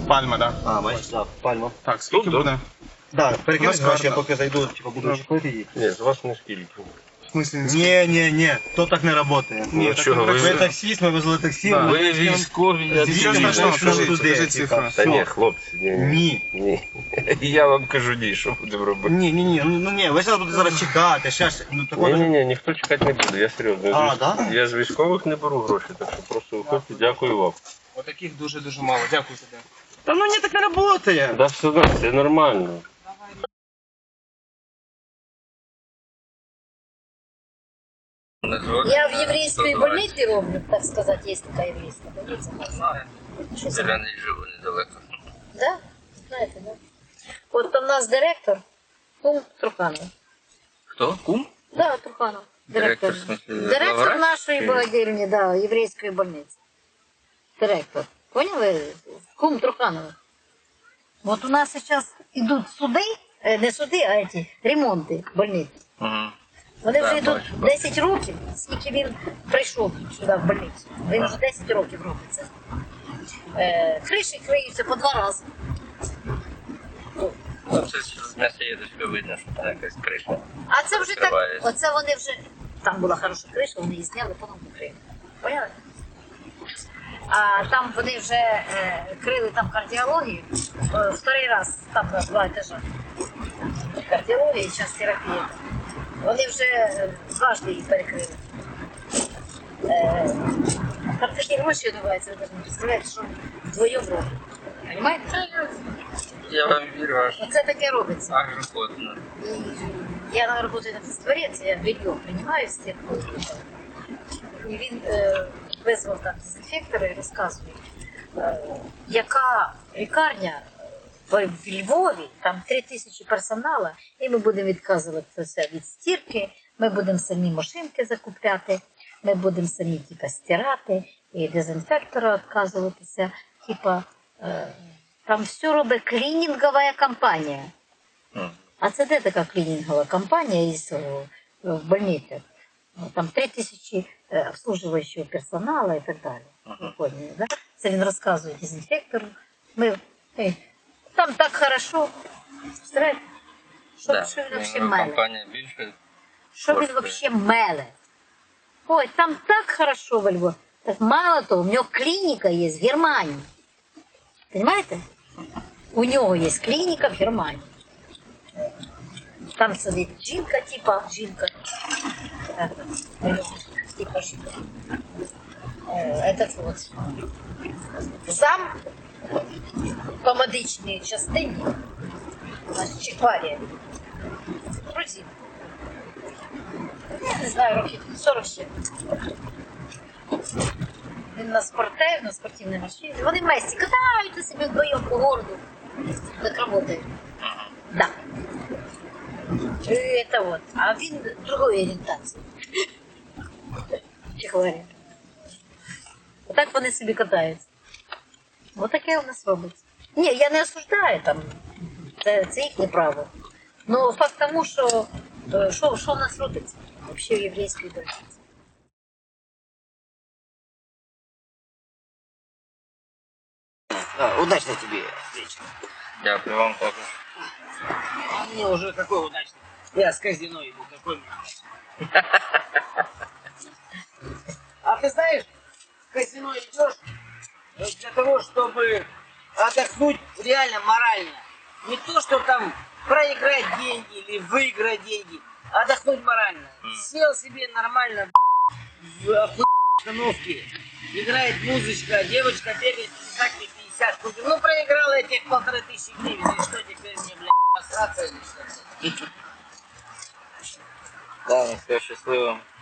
Пальма, так. А, бачиш, так, пальма. Так, скільки буде? Так, перекинь, У нас я гарно. поки зайду, типу, буду чекати її. Ні, з вас не скільки. В смислі не скільки? Ні, то так не працює. Ні, Ну, так чого, не ви- Ви працює. таксист, ми везли таксі. Да. Ви військові, я Нічого дивлюсь. страшного, що скажи, туди, скажи типа. цифру. Та ні, Все. хлопці, ні. Ні. Я вам кажу, ні, що будемо робити. Ні, ну ні, ви зараз будете зараз чекати, ще ж, ну такого. Ні, ніхто чекати не буде, я серйозно. А, да? Я з військових не беру гроші, так що просто виходьте, дякую вам. Отаких дуже-дуже мало. Дякую тобі. Та ну ні, так не працює. Да все одно, це нормально. Я в еврейской больнице роблю, так сказать, есть такая еврейская больница. Зелений живу недалеко. Да? Знаете, да? Вот у нас директор, кум Труханов. Хто? Кум? Да, Труханов. Директор, в смысле, Директор главврач? нашей богадельни, да, еврейской больницы. Директор. Поняли? Кум Труханова. Вот у нас сейчас идут суды, не суди, а эти ремонти больниць. Угу. Вони вже Да, йдуть бачу, 10 років, скільки він прийшов сюди в больницю. Він вже 10 років робить це. Криші криються по 2 рази. Ну, це з м'яса їдочка видно, що там якась криша. А це вже так, Відкривається. оце вони вже, там була хороша криша, вони її зняли, потім покрили. Поняли? А там вони вже крили там кардіологію, вторий раз, там на 2 етажа. Кардіологія і час терапія. Вони вже дважди її перекрили. Там такі гроші відбуваються, ви навіть не представляєте, що вдвоєм робить. Понимаєте? Я вам вірю, аж Оце таке робиться. агроходно. І я работаю на Творець, я белье приймаю з тих. І він визвав там дезінфектора і розказує, яка лікарня в Львові, там 3000 персоналу, і ми будемо відказуватися від стірки, ми будемо самі машинки закупляти, ми будемо самі типа, стирати, і дезінфектора відказуватися. Типа, там все робить клінінгова компанія. А це де така клінінгова компанія із в больницях? Там 3000 обслуживаючого персоналу і так далі. Ви поняли, да? Це він розказує дезінфектору. Там так хорошо. Представляєте? Що він взагалі меле? Компанія більше. Що він взагалі меле? Ой, там так хорошо во Львові. Так мало того, у нього клініка є в Германії. Понимаете? У нього є клініка в Германії. Там сидить жінка, типа жінка. Типа жінка. Этот вот зам по медичній частині, значить, Чехварія. Грузин. Я не знаю, років 40 ще. Він на спортивній машині. Вони вместе катаються собі вдвоєм по городу. Так працюють. Да. Это вот. А він другої орієнтації. Чехварія. Отак вони собі катаються. Ось таке у нас робиться. Ні, я не осуждаю там. Це їхнє право. Ну, факт тому, що у нас робиться взагалі в єврейській больниці. Удачно тебе вечер. Дякую вам також. А мне уже какой удачный. Я с казино иду, какой мне удачный. А ты знаешь, в казино идешь для того, чтобы отдохнуть реально морально. Не то, что там проиграть деньги или выиграть деньги, а отдохнуть морально. Сел себе нормально в охуенной обстановке, играет музычка, девочка бегает, писать мне 50 штук. Ну, проиграл я тех 1500 гривен, и что теперь мне, блядь, посраться или что-то? Да, все щасливо.